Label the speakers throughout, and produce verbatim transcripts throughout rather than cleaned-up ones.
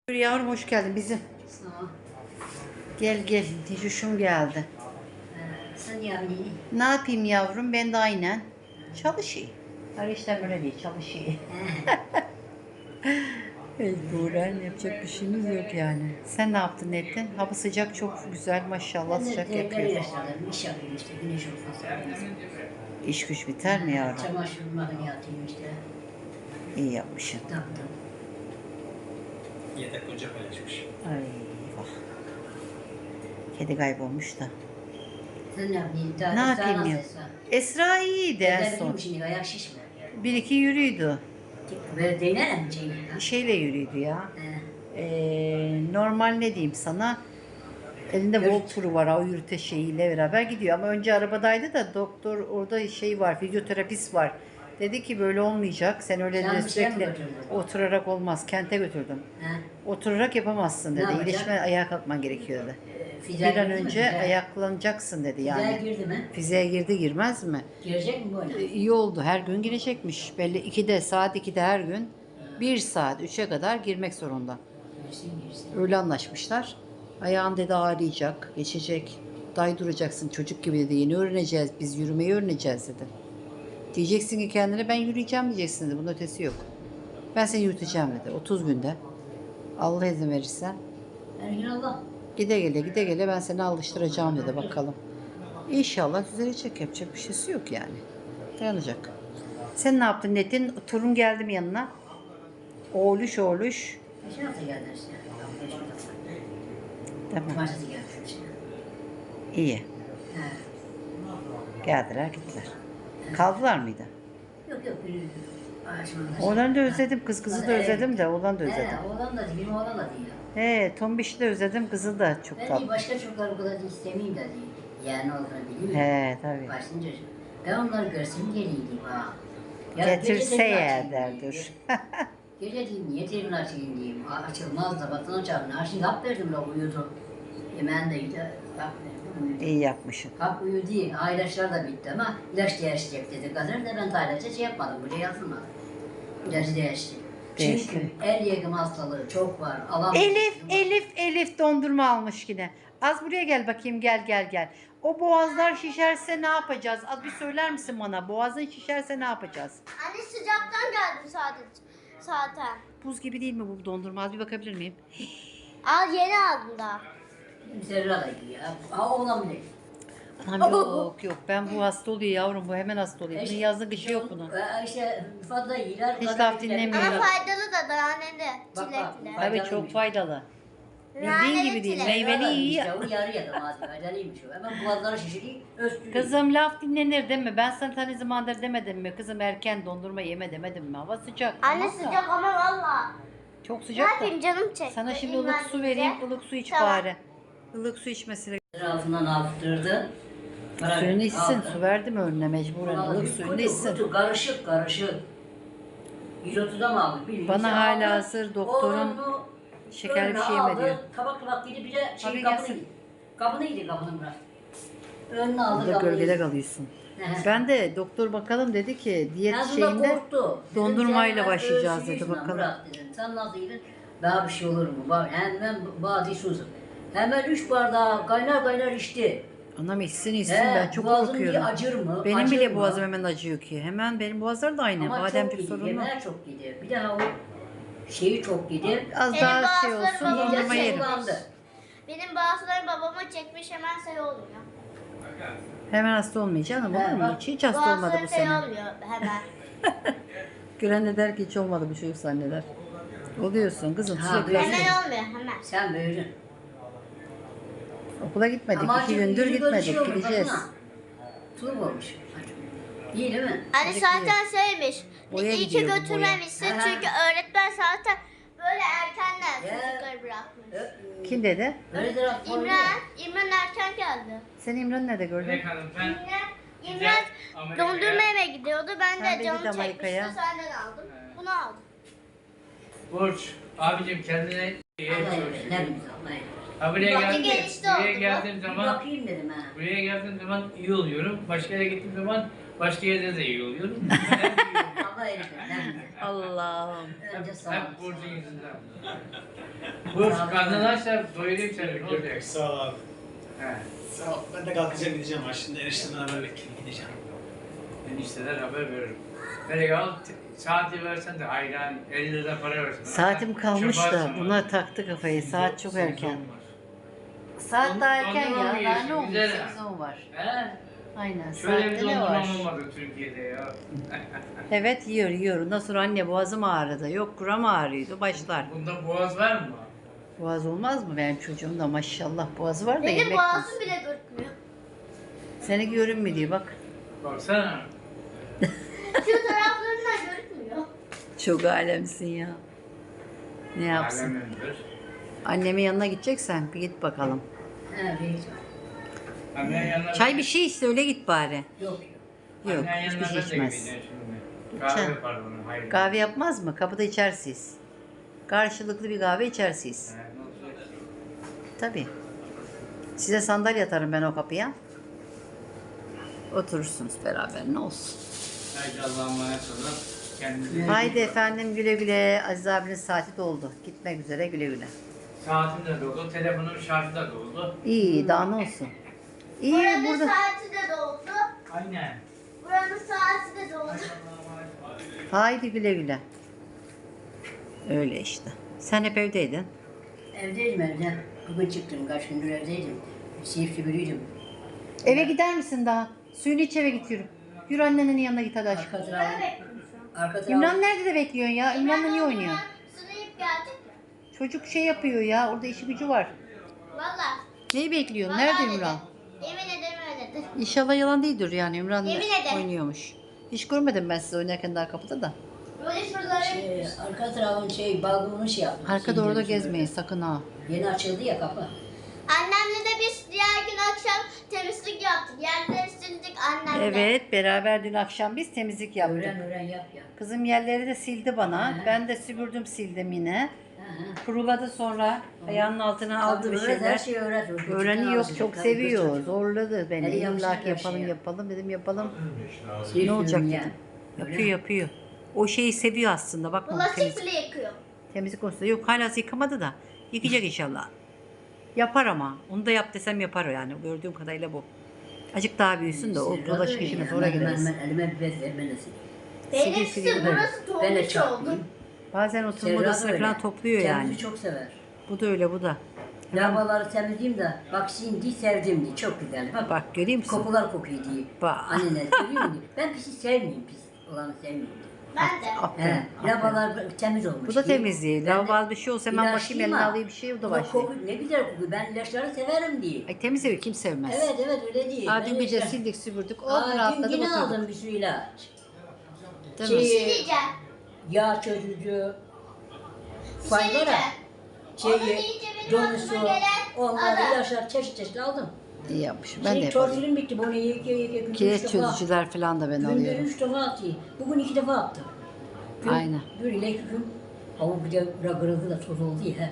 Speaker 1: Yavrum hoş geldin bizim.
Speaker 2: Sağ ol.
Speaker 1: Gel gel. Ticuşum geldi.
Speaker 2: Ee, sen yani
Speaker 1: Ne yapayım yavrum? Ben de aynen çalışayım. Her işten böyle değil, çalışayım. Mecburen yapacak bir şeyimiz yok yani. Sen ne yaptın, ne ettin? Hava sıcak, çok güzel maşallah, sıcak yapıyor.
Speaker 2: yaşladım, iş yapıyorum işte, güneş olmasa.
Speaker 1: İş güç biter mi yavrum?
Speaker 2: Çamaşır makinatıyım işte.
Speaker 1: İyi yapmışsın.
Speaker 2: Taktım.
Speaker 3: Yedek ocak paylaşmış.
Speaker 1: Ay bak. Kedi kaybolmuş da.
Speaker 2: Sen ne yapayım? Daha
Speaker 1: Ne
Speaker 2: Esra
Speaker 1: yapayım
Speaker 2: nasıl
Speaker 1: ya?
Speaker 2: Esra?
Speaker 1: Esra iyiydi en
Speaker 2: Evde
Speaker 1: son.
Speaker 2: bileyim şimdi ayak şişme.
Speaker 1: Bir iki yürüydü.
Speaker 2: Böyle değnelim mi Ceylan?
Speaker 1: Şeyle yürüydü ya.
Speaker 2: He.
Speaker 1: Ee, normal ne diyeyim sana, elinde Volturu var, o yürüte şeyiyle beraber gidiyor ama önce arabadaydı da doktor orada şey var, fizyoterapist var, dedi ki böyle olmayacak, sen öyle
Speaker 2: Sen
Speaker 1: de
Speaker 2: bir şeye mi
Speaker 1: sürekli
Speaker 2: götürdün?
Speaker 1: oturarak olmaz, kente götürdüm,
Speaker 2: He.
Speaker 1: oturarak yapamazsın
Speaker 2: Ne
Speaker 1: dedi,
Speaker 2: yapacak?
Speaker 1: iyileşme ayağa kalkman gerekiyor dedi,
Speaker 2: Ee, Fizel
Speaker 1: bir an
Speaker 2: girdi mi?
Speaker 1: önce
Speaker 2: Fizel-
Speaker 1: ayaklanacaksın dedi
Speaker 2: Fizel
Speaker 1: yani.
Speaker 2: girdi mi?
Speaker 1: Fiziğe girdi, girmez mi?
Speaker 2: Girecek mi böyle?
Speaker 1: Ee, iyi oldu, her gün girecekmiş belli, ikide saat ikide her gün bir saat üçe kadar girmek zorunda.
Speaker 2: Girsin girsin.
Speaker 1: Öyle anlaşmışlar. Ayağın dedi ağrıyacak, geçecek. Day duracaksın çocuk gibi dedi. Yeni öğreneceğiz, biz yürümeyi öğreneceğiz dedi. Diyeceksin ki kendine ben yürüyeceğim diyeceksin dedi. Bunun ötesi yok. Ben seni yürüteceğim dedi. otuz günde. Allah izin verirse.
Speaker 2: Her gün Allah.
Speaker 1: Gide gele gide gele ben seni alıştıracağım dedi bakalım. İnşallah düzelecek, yapacak bir şeysi yok yani. Dayanacak. Sen ne yaptın Netin? Torun geldi mi yanına? Oğluş oğluş.
Speaker 2: Geçen hafta geldi işte.
Speaker 1: Tamam.
Speaker 2: Cumartesi geldi işte.
Speaker 1: İyi.
Speaker 2: He.
Speaker 1: Geldiler gittiler. Kaldılar mıydı?
Speaker 2: Yok yok biri ağaçmanda.
Speaker 1: Oğlanı da özledim. Kız kızı da özledim de oğlanı da özledim.
Speaker 2: He, oğlan da değil, benim oğlan da değil.
Speaker 1: He, Tombiş'i de özledim. Kızı da çok
Speaker 2: Ben iyi
Speaker 1: tatlı.
Speaker 2: başka çocuklar bu kadar istemeyeyim de değil. Yani olduğunu bileyim mi?
Speaker 1: He tabii.
Speaker 2: Başlayınca ben onları görsem geleydim ha.
Speaker 1: Getirse
Speaker 2: gece
Speaker 1: ya
Speaker 2: telefon
Speaker 1: der
Speaker 2: açayım
Speaker 1: dur.
Speaker 2: diyeyim. Gece diyeyim niye telefon açayım diyeyim. A- Açılmaz da batın açarım. Ha şimdi hap verdim la uyudu. Yemeğini de yedi. Hap verdim uyudu.
Speaker 1: İyi yapmışsın.
Speaker 2: Hap uyudu değil. Ha ilaçlar da bitti ama ilaç değişecek dedi. Kadar da ben daha ilaca şey yapmadım. Buraya yazılmadı. İlacı değişecek.
Speaker 1: Değişti.
Speaker 2: Çünkü el yakım hastalığı çok var. Alamam.
Speaker 1: Elif, Elif, Elif dondurma almış yine. Az buraya gel bakayım, gel gel gel. O boğazlar şişerse ne yapacağız? Az bir söyler misin bana? Boğazın şişerse ne yapacağız?
Speaker 4: Anne sıcaktan geldim sadece zaten.
Speaker 1: Buz gibi değil mi bu dondurma? Az bir bakabilir miyim?
Speaker 4: Al yeni aldım daha.
Speaker 2: Zerra da iyi ya. Ha oğlan bile.
Speaker 1: Anam yok yok, ben bu hasta oluyor yavrum, bu hemen hasta oluyor. Bunun yazlık işi yok bunun.
Speaker 2: Ee, İşte fazla iyiler.
Speaker 1: Hiç
Speaker 2: kadar
Speaker 1: laf
Speaker 2: iyiler.
Speaker 1: dinlemiyor.
Speaker 4: Ama
Speaker 1: Evet.
Speaker 4: faydalı da naneli,
Speaker 2: Bak, bak.
Speaker 4: çilekli.
Speaker 1: Tabii
Speaker 2: Faydalıymış.
Speaker 1: çok faydalı. Bildiğin
Speaker 4: Naneli
Speaker 1: gibi değil.
Speaker 4: çilek.
Speaker 1: Meyveli iyi.
Speaker 2: İşte o yarı ya da malzeme. Faydalıymış o. Hemen boğazları şişiriyor. Östürüyor.
Speaker 1: Kızım laf dinlenir değil mi? Ben sana tane zamandır demedim mi? Kızım erken dondurma yeme demedim mi? Hava sıcak.
Speaker 4: Anne
Speaker 1: tamam da.
Speaker 4: sıcak ama valla.
Speaker 1: Çok
Speaker 4: Ne
Speaker 1: sıcak da.
Speaker 4: yapayım canım çekti.
Speaker 1: Sana şimdi
Speaker 4: İlmen
Speaker 1: ılık su vereyim.
Speaker 4: bize.
Speaker 1: ılık su iç
Speaker 4: Tamam.
Speaker 1: bari. Ilık su içmesine.
Speaker 2: Altından aldırdı. Bırak-
Speaker 1: Suyunu içsin.
Speaker 2: aldı.
Speaker 1: Su verdim önüne mecburen.
Speaker 2: Vallahi
Speaker 1: Ilık
Speaker 2: bir
Speaker 1: suyunu
Speaker 2: kutu,
Speaker 1: içsin.
Speaker 2: kutu, karışık karışık. yüz otuza mı aldık? bilmiyorum.
Speaker 1: Bana
Speaker 2: İşte
Speaker 1: hala
Speaker 2: aldı.
Speaker 1: hazır doktorun
Speaker 2: Oğlan bunu
Speaker 1: şekerli bir
Speaker 2: önüne
Speaker 1: şey yeme
Speaker 2: aldı,
Speaker 1: diyor.
Speaker 2: Tabak tabak gidip bir de
Speaker 1: Tabii
Speaker 2: şey
Speaker 1: gelsin.
Speaker 2: kapını yedi. Kapını yedi kapını bırak. Önüne aldı
Speaker 1: Burada
Speaker 2: kapını
Speaker 1: gölgede
Speaker 2: yedi.
Speaker 1: kalıyorsun.
Speaker 2: He.
Speaker 1: Ben de doktor bakalım dedi ki diyet
Speaker 2: Ağzında
Speaker 1: şeyinde
Speaker 2: korktu. Dedim,
Speaker 1: dondurmayla
Speaker 2: sen
Speaker 1: başlayacağız
Speaker 2: ölçüyü
Speaker 1: dedi,
Speaker 2: şuna
Speaker 1: bakalım.
Speaker 2: Bırak dedim. Sen nasıl yedin? Daha bir şey olur mu? Bak hemen bazı susuz. Hemen üç bardağı kaynar kaynar içti.
Speaker 1: anam içsin içsin,
Speaker 2: He,
Speaker 1: ben çok
Speaker 2: boğazın
Speaker 1: korkuyorum.
Speaker 2: bir acır mı?
Speaker 1: Benim
Speaker 2: Acır
Speaker 1: bile
Speaker 2: mı?
Speaker 1: boğazım hemen acıyor ki. Hemen benim boğazlar da aynı.
Speaker 2: Ama
Speaker 1: Bademcik
Speaker 2: çok yedi.
Speaker 1: sorunlu.
Speaker 2: Yemeğe çok yedi. Bir daha o şeyi çok yedi.
Speaker 1: Az
Speaker 4: Senin
Speaker 1: daha şey
Speaker 4: boğazların
Speaker 1: olsun,
Speaker 4: babama
Speaker 1: dondurma
Speaker 4: şey
Speaker 1: yerim.
Speaker 4: var.
Speaker 2: Kullandı.
Speaker 4: Benim bazıları babama çekmiş hemen şey oluyor.
Speaker 1: Hemen hasta olmayacaksın ama
Speaker 2: He,
Speaker 1: olur mu?
Speaker 2: bak.
Speaker 1: Hiç, hiç hasta olmadı
Speaker 4: Bazıları
Speaker 1: bu
Speaker 4: şey
Speaker 1: sene.
Speaker 4: olmuyor hemen.
Speaker 1: Gören de der ki hiç olmadı bu çocuk zanneder. Oluyorsun kızım,
Speaker 2: Ha,
Speaker 1: sürekli
Speaker 2: böyle.
Speaker 1: hasta.
Speaker 4: Hemen olmuyor hemen.
Speaker 2: Sen büyüdün.
Speaker 1: Okula gitmedik,
Speaker 2: Ama
Speaker 1: iki
Speaker 2: acı-
Speaker 1: gündür
Speaker 2: yüzü gözü şey
Speaker 1: gitmedik,
Speaker 2: olmuş,
Speaker 1: gideceğiz.
Speaker 2: baksana. Tulum olmuş. İyi değil mi?
Speaker 4: Hani
Speaker 1: Çilekli.
Speaker 4: zaten şeymiş.
Speaker 1: Boya
Speaker 4: iyi ki
Speaker 1: gidiyor bu,
Speaker 4: götürmemişsin
Speaker 2: boya.
Speaker 4: çünkü öğretmen zaten böyle erkenden
Speaker 2: Ya.
Speaker 4: çocukları bırakmış.
Speaker 1: Kim dedi?
Speaker 2: Böyle de rapor
Speaker 4: İmran, İmran erken geldi.
Speaker 1: Sen İmran'ı nerede gördün?
Speaker 3: Peki hanım ben
Speaker 4: İmran, İmran
Speaker 3: Amerika'ya-
Speaker 4: dondurma yemeye gidiyordu. Ben
Speaker 1: Ben de
Speaker 4: de
Speaker 1: git
Speaker 4: canım çekmişti.
Speaker 1: Amerika'ya.
Speaker 4: Senden aldım. Bunu aldım.
Speaker 3: Burç abicim kendine iyi
Speaker 2: Allah
Speaker 3: çalış.
Speaker 2: eylesin, ne bileyim, Allah eylesin.
Speaker 3: Ha buraya
Speaker 4: Bak,
Speaker 3: geldim.
Speaker 4: gelişti
Speaker 3: Buraya
Speaker 4: oldu
Speaker 3: geldiğim
Speaker 2: Bir
Speaker 3: zaman
Speaker 2: bakayım dedim ha.
Speaker 3: buraya geldiğim zaman iyi oluyorum. Başka yere gittiğim zaman başka yerde de iyi oluyorum. Hep iyi oluyorum.
Speaker 2: Allah eylesin, ne bileyim.
Speaker 1: Allah'ım.
Speaker 2: Önce sağ
Speaker 3: Hep
Speaker 2: olasın.
Speaker 3: Burcu'nun yüzünden. Bu karnını açsa doyurayım seni. Ne olacak?
Speaker 5: Sağ ol abi.
Speaker 3: He.
Speaker 5: Sağ ol. Ben de kalkacağım gideceğim ha. Şimdi eniştemden haber bekleyin gideceğim.
Speaker 3: Enişteler haber veririm. Nereye al? Saati versen de ayran elli lira para versin.
Speaker 1: Saatim kalmış da
Speaker 3: Çöparsın
Speaker 1: buna
Speaker 3: onu.
Speaker 1: taktı kafayı. Saat çok erken.
Speaker 3: Sezon var.
Speaker 1: Saat
Speaker 3: Don-
Speaker 1: daha erken
Speaker 3: dondurma
Speaker 1: ya.
Speaker 3: mı
Speaker 1: Daha
Speaker 3: yiyorsun?
Speaker 1: ne olmuş?
Speaker 3: Güzel.
Speaker 1: Sezon var.
Speaker 3: He?
Speaker 1: Aynen.
Speaker 3: Şöyle bir
Speaker 1: Saatte ne var?
Speaker 3: dondurma olmadı Türkiye'de ya.
Speaker 1: Evet yiyor yiyor. Ondan sonra anne boğazım ağrıdı. Yok kuram ağrıyordu. Başlar.
Speaker 3: Bunda boğaz var mı?
Speaker 1: Boğaz olmaz mı benim çocuğum da maşallah boğazı var da
Speaker 4: Benim
Speaker 1: yemek
Speaker 4: boğazım
Speaker 1: yiyorsun.
Speaker 4: bile görünmüyor.
Speaker 1: Seni görünmüyor diyor bak.
Speaker 3: Baksana.
Speaker 4: Şu taraflarından görünmüyor.
Speaker 1: Çok alemsin ya. Ne yapsın?
Speaker 3: Alemindir.
Speaker 1: Annemin yanına gideceksen bir git bakalım.
Speaker 2: He reis var.
Speaker 3: Annen yanına...
Speaker 1: Çay bir şey iste öyle git bari.
Speaker 2: Yok yok.
Speaker 1: Yok
Speaker 3: Annen
Speaker 1: hiçbir
Speaker 3: yanına
Speaker 1: şey
Speaker 3: ben de
Speaker 1: içmez.
Speaker 3: gideceğim şimdi.
Speaker 1: İçer.
Speaker 3: Kahve yapar bunu. Hayır.
Speaker 1: Kahve yapmaz mı? Kapıda içersiniz. Karşılıklı bir kahve içersiniz.
Speaker 3: He, ne olacak?
Speaker 1: Tabii. Size sandalye atarım ben o kapıya. Oturursunuz beraber ne olsun.
Speaker 3: Haydi Allah'a emanet olun. Kendinize iyi
Speaker 1: Haydi
Speaker 3: bakın.
Speaker 1: efendim güle güle. Aziz abinin saati doldu. Gitmek üzere güle güle.
Speaker 3: Saatim de doldu, telefonun şarjı da doldu.
Speaker 1: İyi daha ne olsun. İyi
Speaker 4: Buranın
Speaker 1: burada.
Speaker 4: saati de doldu.
Speaker 3: Aynen.
Speaker 4: Buranın saati de doldu.
Speaker 1: Haydi güle güle. Öyle işte. Sen hep evdeydin.
Speaker 2: Evdeydim evde. Bugün çıktım. Kaç gündür evdeydim. Seyif süpürüydüm.
Speaker 1: Eve gider misin daha? Suyunu iç eve git yürü. Yürü annenin yanına git hadi aşkım.
Speaker 2: Arka tarafı. Arka tarafı.
Speaker 1: İmran nerede de bekliyorsun ya? İmran'la niye oynuyor?
Speaker 4: Sınayıp geldik ya.
Speaker 1: Çocuk şey yapıyor ya. Orada işi gücü var.
Speaker 4: Valla.
Speaker 1: Neyi bekliyorsun?
Speaker 4: Vallahi
Speaker 1: Nerede
Speaker 4: dedi.
Speaker 1: İmran?
Speaker 4: Yemin ederim öyledir.
Speaker 1: İnşallah yalan değildir yani. İmran
Speaker 4: Yemin ederim.
Speaker 1: oynuyormuş. Hiç görmedim ben sizi oynarken daha kapıda da.
Speaker 4: Böyle şuraları
Speaker 2: Şey, arka tarafın şey balkonunu şey yaptım.
Speaker 1: Arkada orada
Speaker 2: Sildim,
Speaker 1: gezmeyin
Speaker 2: süpürdüm.
Speaker 1: sakın ha.
Speaker 2: Yeni açıldı ya kapı.
Speaker 4: Annemle de biz diğer gün akşam temizlik yaptık. Yerleri sildik annemle.
Speaker 1: Evet beraber dün akşam biz temizlik yaptık.
Speaker 2: Öğren öğren yap ya.
Speaker 1: Kızım yerleri de sildi bana.
Speaker 2: Hı.
Speaker 1: Ben de süpürdüm sildim yine.
Speaker 2: Hı hı.
Speaker 1: Kuruladı sonra ayağının altına aldı bir
Speaker 2: Tabii öğret,
Speaker 1: şeyler.
Speaker 2: her şeyi öğret. Öğretmen
Speaker 1: Öğreniyor
Speaker 2: alacak,
Speaker 1: çok
Speaker 2: tabii,
Speaker 1: seviyor.
Speaker 2: çocuk.
Speaker 1: Zorladı beni.
Speaker 2: Hadi yapsın
Speaker 1: İlla ki
Speaker 2: her
Speaker 1: yapalım
Speaker 2: şeyi.
Speaker 1: yapalım dedim yapalım.
Speaker 2: Şey
Speaker 1: Ne olacak
Speaker 2: diyorum
Speaker 1: dedim.
Speaker 2: ya.
Speaker 1: Yapıyor
Speaker 2: Öyle.
Speaker 1: yapıyor. O şeyi seviyor aslında. Bakma
Speaker 4: Bulaşık
Speaker 1: temizlik,
Speaker 4: bile yıkıyor.
Speaker 1: temizlik konusunda. Yok hala yıkamadı da. Yıkayacak inşallah. Yapar ama. Onu da yap desem yapar o yani. Gördüğüm kadarıyla bu. Acık daha büyüsün de o
Speaker 2: Sırrı
Speaker 1: bulaşık
Speaker 2: da
Speaker 1: işine
Speaker 2: yani.
Speaker 1: sonra
Speaker 2: Ben-
Speaker 1: gireriz.
Speaker 2: Ben, ben elime bir bez vermelisin.
Speaker 1: Siliyor,
Speaker 4: Benimkisi
Speaker 1: siliyor.
Speaker 4: burası
Speaker 2: Ben de
Speaker 4: dolmuş oldu.
Speaker 2: çarpmayayım.
Speaker 1: Bazen oturma
Speaker 2: Serra da
Speaker 1: odasını
Speaker 2: öyle.
Speaker 1: falan topluyor yani.
Speaker 2: Temizliği çok sever.
Speaker 1: Bu da öyle bu da.
Speaker 2: Lavaları temizleyeyim de bak şimdi sevdim diye çok güzel. Bak,
Speaker 1: Bak görüyor musun?
Speaker 2: kokular kokuyor diye.
Speaker 1: Bak.
Speaker 2: Anneler seviyor mu diye. Ben pisi sevmiyorum pis olanı sevmiyorum diye.
Speaker 4: Ben de.
Speaker 1: Aferin.
Speaker 2: He,
Speaker 1: aferin.
Speaker 2: lavalar temiz olmuş.
Speaker 1: Bu da
Speaker 2: diye.
Speaker 1: temizliği.
Speaker 2: Ben de
Speaker 1: Lavabo bir şey olsa hemen bakayım
Speaker 2: ilaçlıyım
Speaker 1: eline
Speaker 2: ha.
Speaker 1: alayım bir şey o da
Speaker 2: Ama
Speaker 1: başlıyor.
Speaker 2: koku ne güzel kokuyor. Ben ilaçları severim diye.
Speaker 1: Ay temiz evi kim sevmez?
Speaker 2: Evet evet öyle değil.
Speaker 1: Ha,
Speaker 2: Ben
Speaker 1: dün gece
Speaker 2: ilaçlar-
Speaker 1: sildik süpürdük. Oh
Speaker 2: Aa, dün
Speaker 1: rahatladık
Speaker 2: yine
Speaker 1: oturduk.
Speaker 2: aldım bir sürü ilaç.
Speaker 1: Değil mi?
Speaker 2: Şey,
Speaker 4: Sileceğim.
Speaker 2: yağ çözücü,
Speaker 4: Bir şey
Speaker 2: faydalı.
Speaker 4: diyeceğim. Onu
Speaker 2: Şeyi,
Speaker 4: deyince benim
Speaker 2: donusu,
Speaker 4: aklıma gelen
Speaker 2: onlar
Speaker 4: adam.
Speaker 2: ilaçlar çeşit çeşit aldım.
Speaker 1: İyi yapmışım. Ben de
Speaker 2: Şey,
Speaker 1: yaparım.
Speaker 2: tortilim bitti. Bunu yeke yeke günde
Speaker 1: Kireç
Speaker 2: üç defa.
Speaker 1: çözücüler falan da ben
Speaker 2: Günde
Speaker 1: alıyorum.
Speaker 2: üç defa atıyor. Bugün iki defa attım. Gün,
Speaker 1: Aynen.
Speaker 2: Bir ile iki gün. Ama bir de kırıldı da toz oldu ya.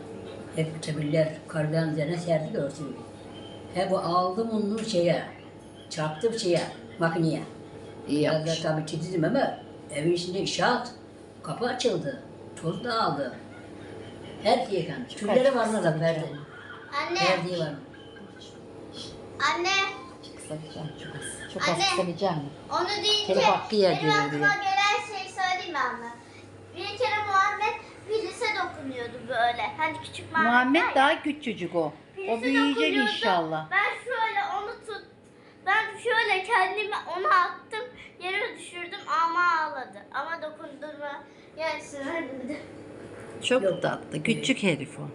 Speaker 2: Hep çebiller karların üzerine serdik örtüyü. He bu aldım onu şeye, çarptım şeye, makineye.
Speaker 1: İyi
Speaker 2: Biraz da
Speaker 1: yapmış.
Speaker 2: tabii titizim ama evin içinde inşaat. Kapı açıldı. Toz dağıldı. Her şey yıkandı. Tülleri var mı da verdi.
Speaker 4: Anne.
Speaker 2: Verdiği var mı?
Speaker 4: Anne.
Speaker 1: Kısamayacağım çok az. Çok az
Speaker 4: Anne.
Speaker 1: kısamayacağım.
Speaker 4: Onu deyince
Speaker 1: Telef hakkı yer
Speaker 4: benim
Speaker 1: gelir
Speaker 4: aklıma
Speaker 1: diye.
Speaker 4: gelen şey söyleyeyim mi anne? Bir kere Muhammed Filiz'e dokunuyordu böyle. Hani küçük Muhammed,
Speaker 1: Muhammed
Speaker 4: var ya.
Speaker 1: daha küçücük o. O
Speaker 4: Filiz'e
Speaker 1: büyüyecek
Speaker 4: dokunuyordu.
Speaker 1: inşallah.
Speaker 4: Ben şöyle onu tut. Ben şöyle kendimi ona attım. Yere düşürdüm ama ağladı. Ama dokundurma yarısını vermedi.
Speaker 1: Çok
Speaker 2: Yok.
Speaker 1: tatlı. Küçük herif o.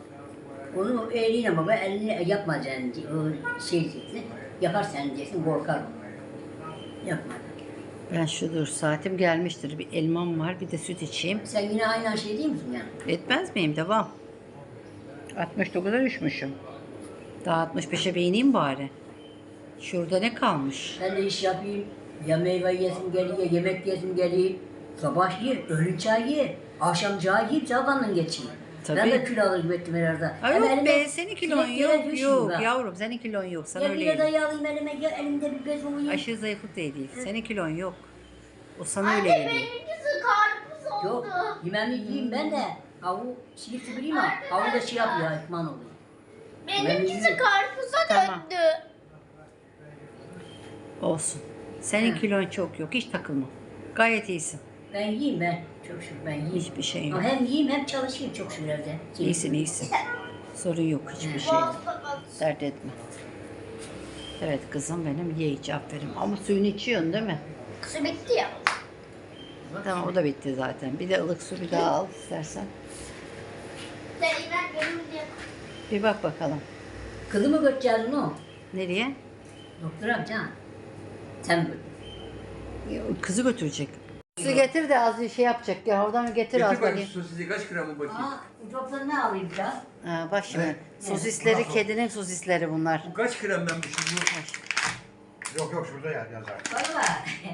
Speaker 2: Onu eliyle baba eline yapmayacaksın diye, o şey diyeceksin. Yaparsan diyeceksin korkar. Yapma.
Speaker 1: Ben şu dur saatim gelmiştir. Bir elmam var bir de süt içeyim.
Speaker 2: Sen yine aynı şey değil misin yani?
Speaker 1: Etmez miyim? Devam. altmış dokuza düşmüşüm. Daha altmış beşe bir ineyim bari. Şurada ne kalmış?
Speaker 2: Ben de iş yapayım. Ya meyve yesim geliyor, ya yemek yesim geliyor. Sabah ye, öğlen çay ye. Akşam çay yiyip sabahından geçeyim.
Speaker 1: Tabii.
Speaker 2: Ben de kilo alır gittim herhalde.
Speaker 1: Ay
Speaker 2: Hem
Speaker 1: yok
Speaker 2: elime
Speaker 1: be senin kilon
Speaker 2: sineklere
Speaker 1: yok
Speaker 2: düşmüyor
Speaker 1: yok
Speaker 2: ha.
Speaker 1: yavrum senin kilon yok sana
Speaker 2: Ya bir
Speaker 1: öyle
Speaker 2: de dayı alayım elime, ya elimde bir bez olayım.
Speaker 1: aşırı zayıflık değil değil. Senin kilon yok. O sana öyle
Speaker 4: Anne
Speaker 1: geliyor.
Speaker 4: benimkisi karpuz oldu.
Speaker 2: Yok, yememi yiyeyim ben de. Havu silip bileyim ama havu da şey yapıyor, ekman oluyor.
Speaker 4: Benimkisi karpuza
Speaker 1: Tamam.
Speaker 4: döndü.
Speaker 1: Olsun. Senin
Speaker 2: Hı.
Speaker 1: kilon çok yok. Hiç takılma. Gayet iyisin.
Speaker 2: Ben yiyeyim ben. Çok şükür ben yiyeyim.
Speaker 1: Hiçbir şey yok.
Speaker 2: Ama hem yiyeyim hem çalışayım çok şükür evde.
Speaker 1: İyisin iyisin. Sorun yok hiçbir şey yok. Dert etme. Evet kızım benim ye iç aferin. Ama suyunu içiyorsun değil mi?
Speaker 4: Kısı bitti ya.
Speaker 1: Tamam o da bitti zaten. Bir de ılık su bir daha al istersen.
Speaker 4: Zeynep benim diye.
Speaker 1: Bir bak bakalım.
Speaker 2: Kızı mı götüreceğiz onu?
Speaker 1: Nereye?
Speaker 2: Doktor amca. Sen
Speaker 1: Kızı götürecek. Su getir de az bir şey yapacak. Ya oradan getir az
Speaker 6: Getir bakayım
Speaker 1: bakayım.
Speaker 6: sosisi kaç gram mı bakayım?
Speaker 2: Aa, bu doktor ne alayım biraz?
Speaker 1: Ha, bak şimdi.
Speaker 6: Evet.
Speaker 1: Sosisleri kedinin sosisleri bunlar.
Speaker 6: Bu kaç gram ben bu şimdi?
Speaker 7: Yok yok şurada yer yazar.
Speaker 2: Valla.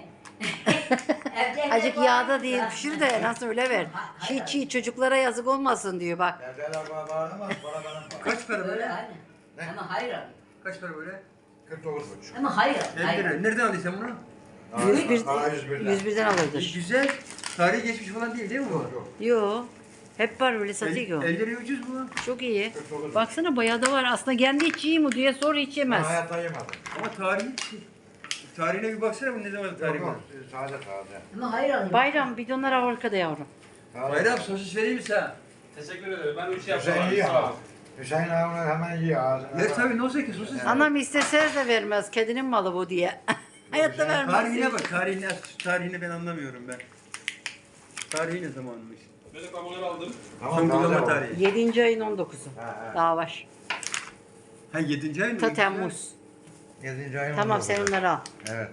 Speaker 1: Acık yağda değil pişir de nasıl öyle ver. Çiğ çiğ çocuklara yazık olmasın diyor bak.
Speaker 7: Yerdeler bana bağıramaz, bana bana bağır.
Speaker 6: Kaç para
Speaker 2: Böyle
Speaker 6: böyle?
Speaker 2: aynen. Ama hayır abi.
Speaker 6: Kaç para böyle?
Speaker 7: kırk dokuz buçuk.
Speaker 2: Ama hayır.
Speaker 6: elli
Speaker 2: hayır.
Speaker 6: lira. Nereden aldın sen bunu?
Speaker 1: yüz bir,
Speaker 7: Aa, yüz birden.
Speaker 1: yüz birden
Speaker 6: E,
Speaker 1: alırdır.
Speaker 6: güzel. Tarihi geçmiş falan değil değil mi bu?
Speaker 7: Yok yok.
Speaker 1: Yo. Hep var öyle satıyor.
Speaker 6: elli liraya ucuz bu.
Speaker 1: Çok iyi.
Speaker 7: kırk dokuz.
Speaker 1: Baksana bayağı da var. Aslında kendi hiç iyi mi diye sor hiç
Speaker 7: Ben
Speaker 1: yemez.
Speaker 7: hayatta yemedim.
Speaker 6: Ama tarihi tarihine bir baksana bu ne zaman
Speaker 7: Yok
Speaker 6: tarihi var.
Speaker 7: yok. Taze taze.
Speaker 2: Ama hayır alayım.
Speaker 1: Bayram bidonlar arkada yavrum.
Speaker 7: Taze.
Speaker 6: Bayram sosis vereyim mi sana?
Speaker 5: Teşekkür ederim. Ben üç yaptım.
Speaker 7: Hüseyin
Speaker 5: abi,
Speaker 7: iyi
Speaker 5: sağ ol.
Speaker 7: ama. Hüseyin abi hemen iyi ağzına.
Speaker 6: Ver tabii ne olsa ki sosis.
Speaker 1: Anam istese de vermez. Kedinin malı bu diye. Hayatta vermez.
Speaker 6: Tarihine bak. Tarihine, tarihini ben anlamıyorum ben. Tarihi ne zamanmış?
Speaker 5: Böyle kabloları aldım.
Speaker 6: Son
Speaker 7: Tamam taze
Speaker 6: kullanma
Speaker 7: o.
Speaker 6: tarihi.
Speaker 1: yedinci ayın on dokuzu.
Speaker 7: Ha, ha.
Speaker 1: Daha var.
Speaker 6: Ha yedinci ay mı?
Speaker 1: Ta Temmuz.
Speaker 7: Yedinci ayın
Speaker 1: Tamam
Speaker 7: on dokuzu.
Speaker 1: sen onları al.
Speaker 7: Evet.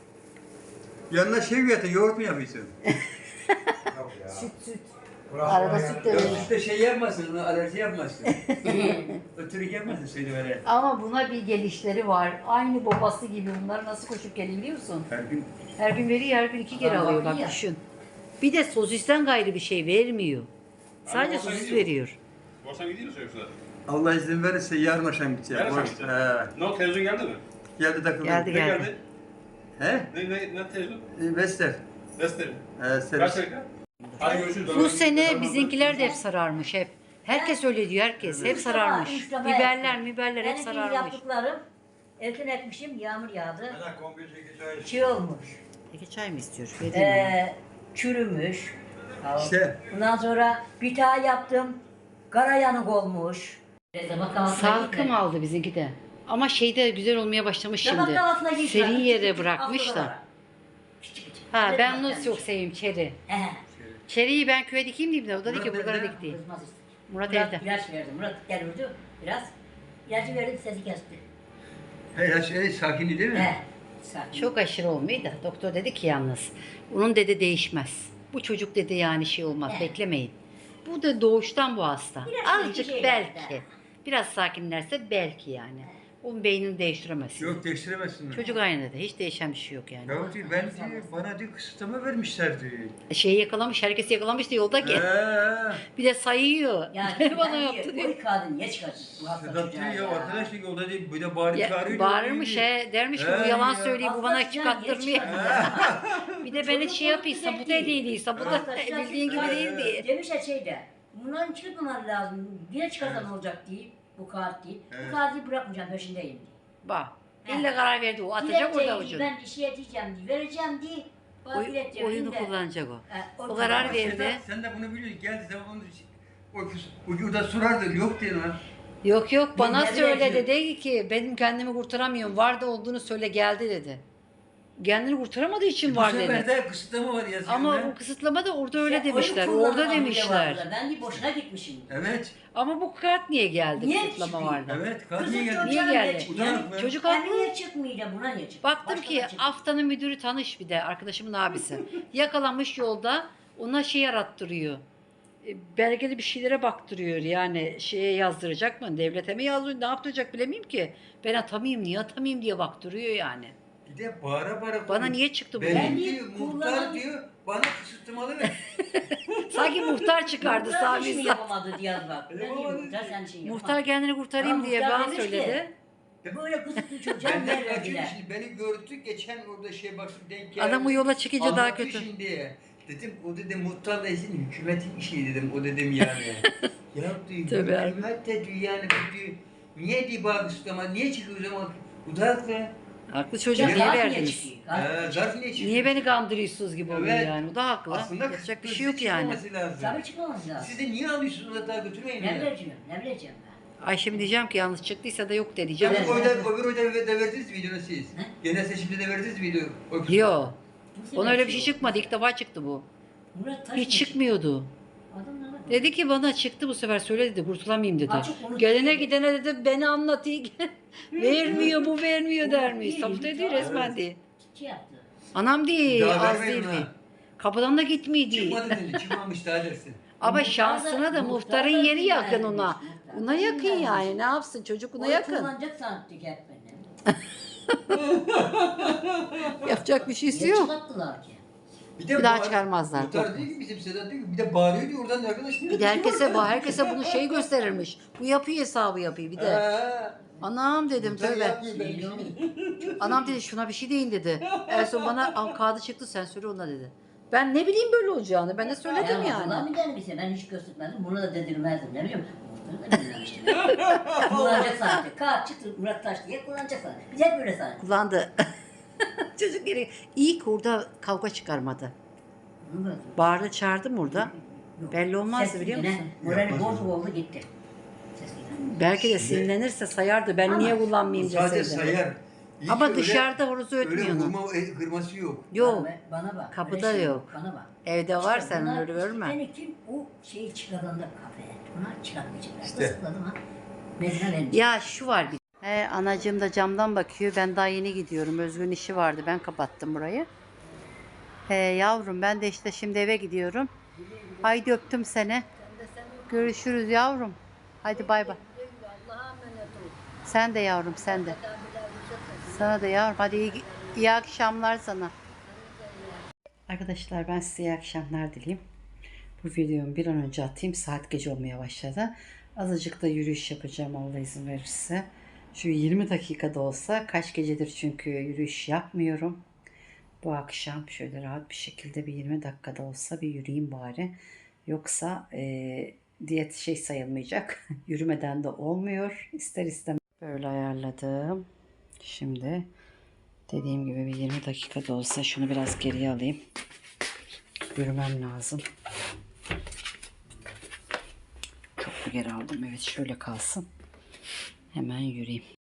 Speaker 6: Yanına şey mi yatın? Yoğurt mu yapıyorsun?
Speaker 7: Yok ya.
Speaker 1: Süt süt.
Speaker 7: Burası
Speaker 1: Arada
Speaker 7: bana
Speaker 1: süt de
Speaker 7: yani-
Speaker 6: Yok
Speaker 1: verir.
Speaker 6: işte şey yapmasın, ona alerji yapmasın. Ötürük yapmasın seni böyle.
Speaker 1: Ama buna bir gelişleri var. Aynı babası gibi bunlar nasıl koşup geliyor biliyor musun?
Speaker 6: Her gün
Speaker 1: Her gün veriyor, her gün iki kere
Speaker 2: Aa,
Speaker 1: alıyor
Speaker 2: bak
Speaker 1: bak
Speaker 2: ya.
Speaker 1: düşün. Bir de sosisten gayrı bir şey vermiyor. Sadece
Speaker 5: olsa
Speaker 1: sosis
Speaker 5: gidiyor.
Speaker 1: veriyor.
Speaker 5: Borsan gidiyor musun yoksa?
Speaker 6: Allah izin verirse yarın akşam gideceğim.
Speaker 5: Yarın akşam
Speaker 6: Boş-
Speaker 5: gideceğim.
Speaker 6: He.
Speaker 5: Ne o televizyon geldi mi?
Speaker 6: Geldi takıldı.
Speaker 1: Geldi
Speaker 5: Ne
Speaker 1: geldi.
Speaker 5: geldi?
Speaker 6: He?
Speaker 5: Ne, ne, ne televizyon?
Speaker 6: E, Vester.
Speaker 5: Desteri.
Speaker 6: He,
Speaker 5: Kaç
Speaker 6: servis.
Speaker 5: dakika? Hadi görüşürüz.
Speaker 1: Bu sene bizimkiler de hep sararmış hep. Herkes öyle diyor herkes. Hep sararmış.
Speaker 2: Üç defa
Speaker 1: Biberler,
Speaker 2: yaptım.
Speaker 1: biberler hep
Speaker 2: Benimki
Speaker 1: sararmış.
Speaker 2: yaptıklarım erken ekmişim, yağmur yağdı.
Speaker 7: Ben de komple çekici çay
Speaker 2: Çiğ olmuş.
Speaker 1: Peki çay mı istiyor? Vereyim mi?
Speaker 2: Ee, çürümüş.
Speaker 6: İşte.
Speaker 2: Ondan sonra bir daha yaptım. Kara yanık olmuş.
Speaker 1: Salkım aldı bizimki de. Ama şeyde güzel olmaya başlamış
Speaker 2: Tabak
Speaker 1: şimdi.
Speaker 2: altına giymiş.
Speaker 1: Seri
Speaker 2: Küçük
Speaker 1: yere
Speaker 2: küçük
Speaker 1: bırakmış da.
Speaker 2: haftalara. Küçük küçük.
Speaker 1: Ha
Speaker 2: Öyle
Speaker 1: ben
Speaker 2: bak
Speaker 1: onu
Speaker 2: yani.
Speaker 1: çok seveyim çeri.
Speaker 2: He.
Speaker 1: Çeriyi ben köye dikeyim diyeyim de o da dedi ki
Speaker 6: Murat
Speaker 1: Bulgar'a
Speaker 6: nerede?
Speaker 1: dik değil.
Speaker 2: Kızmaz işte.
Speaker 1: Murat
Speaker 2: Murat
Speaker 1: evde.
Speaker 2: ilaç verdi. Murat gel vurdu biraz. İlacı verdim sesi kesti.
Speaker 6: He, ya şey, sakini değil mi?
Speaker 2: He. Sakin.
Speaker 1: Çok aşırı olmuyor da doktor dedi ki yalnız onun dedi değişmez. Bu çocuk dedi yani şey olmaz
Speaker 2: Evet.
Speaker 1: beklemeyin. Bu da doğuştan bu hasta.
Speaker 2: Biraz
Speaker 1: Azıcık
Speaker 2: şey
Speaker 1: belki.
Speaker 2: var
Speaker 1: Biraz sakinlerse belki yani. Onun beynini değiştiremezsin.
Speaker 6: Yok değiştiremezsin.
Speaker 1: Çocuk aynı dedi. Hiç değişen bir şey yok yani.
Speaker 6: Ya diyor, ben diyor, bana diyor kısıtlama vermişler diyor.
Speaker 1: Şeyi yakalamış, herkesi yakalamış da yolda ki.
Speaker 6: He.
Speaker 1: Bir de sayıyor.
Speaker 2: Ya
Speaker 1: Bana
Speaker 2: ben
Speaker 1: yaptı
Speaker 2: diyor,
Speaker 1: diyor.
Speaker 2: Bu kadın niye çıkacak? Bu hasta
Speaker 6: Sedat
Speaker 2: çocuğa
Speaker 6: diyor ya arkadaş diyor yolda diyor bir de bağırıp
Speaker 1: Ya,
Speaker 6: çağırıyor.
Speaker 1: bağırmış
Speaker 6: diyor.
Speaker 1: he, dermiş ki
Speaker 6: He
Speaker 1: bu yalan
Speaker 6: ya.
Speaker 1: söylüyor, bu
Speaker 2: Hasta
Speaker 1: bana
Speaker 2: çocuğa niye
Speaker 1: çıkarttırmıyor.
Speaker 2: çıkartacak?
Speaker 1: Bir de beni şey yapıysa, bu da değilse, bu da
Speaker 2: Hasta çocuğa
Speaker 1: bildiğin gibi
Speaker 2: çıkar-
Speaker 1: değil diye.
Speaker 2: Demiş ya şeyde. Bunların çıkmaması lazım. Yine çıkarsan olacak değil. Bu kağıt değil.
Speaker 6: Evet.
Speaker 2: Bu kağıdı bırakmayacağım peşindeyim diye.
Speaker 1: Bak,
Speaker 2: He.
Speaker 1: ille karar verdi o, atacak
Speaker 2: Dilekçeyi
Speaker 1: orada ucunu.
Speaker 2: Ben işe edeceğim diye, vereceğim diye. Bana
Speaker 1: Oy,
Speaker 2: dilekçe
Speaker 1: oyunu
Speaker 2: verin de-
Speaker 1: kullanacak o.
Speaker 2: He,
Speaker 1: O karar
Speaker 2: kadar.
Speaker 1: verdi.
Speaker 6: Sedat, sen de bunu biliyorsun. Geldi zaman onu o ucunda sorardı yok diyor lan.
Speaker 1: Yok yok bana
Speaker 2: Ne
Speaker 1: söyle
Speaker 2: diyor?
Speaker 1: dedi ki benim kendimi kurtaramıyorum. Var da olduğunu söyle geldi dedi. Kendini kurtaramadığı için var
Speaker 6: Bu sefer
Speaker 1: dedi.
Speaker 6: de kısıtlama var yazıyor.
Speaker 1: Ama
Speaker 6: lan.
Speaker 1: o kısıtlama da orada öyle
Speaker 2: İşte oyun
Speaker 1: demişler.
Speaker 2: kullanma
Speaker 1: Orada
Speaker 2: bile
Speaker 1: demişler.
Speaker 2: vardı. Ben de boşuna gitmişim.
Speaker 6: Evet.
Speaker 1: Ama bu kart niye geldi?
Speaker 2: Niye
Speaker 1: Kısıtlama
Speaker 2: çıkıyor?
Speaker 1: vardı.
Speaker 6: Evet. Kadın
Speaker 2: Kızım
Speaker 6: niye geldi?
Speaker 1: Niye
Speaker 2: çocuğa
Speaker 1: geldi?
Speaker 2: niye çıkıyor?
Speaker 6: Utanık
Speaker 2: Yani-
Speaker 6: mı?
Speaker 1: Çocuk
Speaker 2: Ben
Speaker 1: haklı.
Speaker 2: niye çıkmıyor da buna niye çıkıyor?
Speaker 1: Baktım
Speaker 2: Başka
Speaker 1: ki
Speaker 2: da çıkıyor.
Speaker 1: haftanın müdürü tanış bir de arkadaşımın abisi. Yakalamış yolda ona şey yarattırıyor. E, Belgeli bir şeylere baktırıyor yani şeye yazdıracak mı? Devlete mi yazdırıyor? Ne yaptıracak bilemiyorum ki. Ben atamayayım niye atamayayım diye baktırıyor yani.
Speaker 6: Bir de bağıra bağıra.
Speaker 1: Bana niye çıktı bu?
Speaker 6: Ben
Speaker 2: Ben
Speaker 6: diyor,
Speaker 2: diyor,
Speaker 6: muhtar
Speaker 2: kullanan-
Speaker 6: diyor, bana kısıtlamalı ver.
Speaker 1: Sanki muhtar çıkardı
Speaker 2: Muhtar
Speaker 1: Sami
Speaker 2: hiç mi
Speaker 1: İhsan.
Speaker 2: yapamadı Diyaz bak. Ben diyor
Speaker 6: Yapamadı
Speaker 2: muhtar
Speaker 6: diyor.
Speaker 2: sen şey yapma.
Speaker 1: Muhtar kendini kurtarayım
Speaker 2: Ha,
Speaker 1: diye
Speaker 2: muhtar
Speaker 1: bana
Speaker 2: demiş ki,
Speaker 1: söyledi.
Speaker 2: Böyle kısıtlı çocuğa
Speaker 6: Benden
Speaker 2: yer
Speaker 6: kaçıyor
Speaker 2: verdiler.
Speaker 6: şimdi beni gördü geçen orada şey baktım denk geldi.
Speaker 1: Adamı yola çıkınca daha
Speaker 6: Anlattı
Speaker 1: kötü.
Speaker 6: Şimdi. Dedim o dedim muhtar değilsin hükümetin işi dedim o dedim yani. Ya diyor
Speaker 1: Tabii abi.
Speaker 6: hükümet de diyor yani bu diyor. Niye diyor bak ama niye çıkıyor o zaman? Bu da haklı.
Speaker 1: Haklı çocuk
Speaker 2: Ya
Speaker 1: niye
Speaker 2: gaz niye
Speaker 1: verdiniz?
Speaker 2: çıkıyor? Gaz
Speaker 6: Ee,
Speaker 2: niye
Speaker 6: zarf niye çıkıyor?
Speaker 1: Niye beni kandırıyorsunuz gibi oluyor
Speaker 6: Evet.
Speaker 1: yani. O da haklı.
Speaker 6: Aslında
Speaker 1: Yapacak bir
Speaker 6: kız
Speaker 1: şey yok yani.
Speaker 6: çıkmaması lazım.
Speaker 2: Tabii çıkmaması lazım.
Speaker 6: Siz de niye alıyorsunuz onu daha götürmeyin
Speaker 2: Ne
Speaker 6: ya.
Speaker 2: bileceğim, ne bileceğim ben.
Speaker 1: Ayşem diyeceğim ki yanlış çıktıysa da yok de diyeceğim.
Speaker 2: Evet.
Speaker 6: Öbür oyda, öbür oyda de verdiniz mi videonu siz?
Speaker 2: He?
Speaker 6: Genel seçimde de verdiniz mi video? O-
Speaker 1: Yok.
Speaker 2: Kimse
Speaker 1: Ona öyle bir
Speaker 2: belki
Speaker 1: şey
Speaker 2: yok.
Speaker 1: çıkmadı. İlk defa çıktı bu.
Speaker 2: Murat Taş
Speaker 1: Hiç
Speaker 2: mı
Speaker 1: çıkmıyordu.
Speaker 2: çıktı? Adam ne yapıyor?
Speaker 1: Dedi ki bana çıktı bu sefer söyle dedi kurtulamayayım dedi.
Speaker 2: Açık onu-
Speaker 1: Gelene gidene dedi beni anlatayım. vermiyor bu vermiyor
Speaker 2: Onu
Speaker 1: der miyiz?
Speaker 2: değil,
Speaker 1: Sabut
Speaker 2: bir
Speaker 1: ediyor
Speaker 2: tane-
Speaker 1: resmen diye.
Speaker 2: Şey yaptı.
Speaker 1: Anam değil
Speaker 6: Daha
Speaker 1: az
Speaker 6: vermeyin
Speaker 1: değil mi?
Speaker 6: ona.
Speaker 1: Kapıdan da gitmeydi.
Speaker 6: Çıkmadı dedi, çıkmamış daha dersin.
Speaker 1: Ama
Speaker 2: Muhtar da-
Speaker 1: şansına da
Speaker 2: muhtar
Speaker 1: muhtarın
Speaker 2: da
Speaker 1: yeri yakın
Speaker 2: dinlenmiş,
Speaker 1: ona.
Speaker 2: muhtar
Speaker 1: Ona
Speaker 2: da
Speaker 1: yakın
Speaker 2: dinlenmiş.
Speaker 1: yani ne yapsın çocuk ona
Speaker 2: Onu
Speaker 1: yakın.
Speaker 2: kullanacak sanatçı hep beni.
Speaker 1: Yapacak bir şeysi
Speaker 2: Niye
Speaker 1: yok.
Speaker 2: çıkarttılar ki?
Speaker 6: Bir, de
Speaker 1: Bir daha
Speaker 6: bağır-
Speaker 1: çıkarmazlar,
Speaker 6: Muhtar
Speaker 1: korkma.
Speaker 6: diyor ki bizim Sedat diyor ki bir de bağırıyor diyor oradan arkadaş diyor.
Speaker 1: Bir de herkese bu herkese bunu şey gösterirmiş. Bu yapıyor hesabı yapıyor bir de.
Speaker 6: Ha.
Speaker 1: Anam dedim
Speaker 6: Muhtar
Speaker 1: tövbe.
Speaker 6: yapmıyor ben bir
Speaker 2: Şey
Speaker 6: şey.
Speaker 2: yok.
Speaker 1: Anam dedi şuna bir şey deyin dedi. En son bana "Al, kağıdı çıktı sen söyle ona dedi. Ben ne bileyim böyle olacağını ben de söyledim
Speaker 2: Ya Allah
Speaker 1: yani.
Speaker 2: mı der bize? Ben hiç göstermezdim. Bunu da dedirmezdim. Ne bileyim. Muhtarı da dinlemiştim. Kullanacak sanatçı. Kağıt çıktı Murat Taş diye kullanacak sanatçı. Biz hep böyle sanatçı.
Speaker 1: Kullandı. Çocuk geri iyi ki orada kavga çıkarmadı.
Speaker 2: Bunu da-
Speaker 1: Bağırdı çağırdım orada.
Speaker 2: Yok.
Speaker 1: Belli olmazdı
Speaker 2: Ses
Speaker 1: biliyor
Speaker 2: yine
Speaker 1: musun?
Speaker 2: Morali
Speaker 6: Yapmaz
Speaker 2: bozuk
Speaker 6: o.
Speaker 2: oldu gitti. Ses yine.
Speaker 1: Belki de sinirlenirse sayardı ben niye kullanmayayım
Speaker 6: Sadece
Speaker 1: deseydi.
Speaker 6: sayar. İyi
Speaker 1: Ama
Speaker 6: ki öyle-
Speaker 1: dışarıda horozu
Speaker 6: Öyle
Speaker 1: ötmüyor onu.
Speaker 6: vurma e, kırması yok.
Speaker 1: Yok.
Speaker 2: Bana, bana bak.
Speaker 1: Kapıda
Speaker 2: öyle şey
Speaker 1: yok.
Speaker 2: Bana bak.
Speaker 1: Evde var
Speaker 2: İşte
Speaker 1: sen
Speaker 2: bunlar-
Speaker 1: onları görme.
Speaker 2: Beni kim o şeyi çıkaran da kafeye. Buna çıkartmayacaklar.
Speaker 6: İşte.
Speaker 2: Isıkladım ha. Mezine verecek.
Speaker 1: Ya şu var bir. He, anacığım da camdan bakıyor. Ben daha yeni gidiyorum. Özgün işi vardı. Ben kapattım burayı. He, yavrum ben de işte şimdi eve gidiyorum. Haydi öptüm seni. Görüşürüz yavrum. Hadi bay bay. Sen de yavrum sen de. Sana da yavrum. Hadi iyi, iyi akşamlar sana. Arkadaşlar ben size iyi akşamlar dileyim. Bu videomu bir an önce atayım. Saat gece olmaya başladı. Azıcık da yürüyüş yapacağım Allah izin verirse. Şu yirmi dakikada olsa kaç gecedir çünkü yürüyüş yapmıyorum. Bu akşam şöyle rahat bir şekilde bir yirmi dakikada olsa bir yürüyeyim bari. Yoksa e, diyet şey sayılmayacak. Yürümeden de olmuyor. İster istemez. Böyle ayarladım. Şimdi dediğim gibi bir yirmi dakikada olsa şunu biraz geriye alayım. Yürümem lazım. Çok mu geri aldım? Evet şöyle kalsın. Hemen yürüyeyim.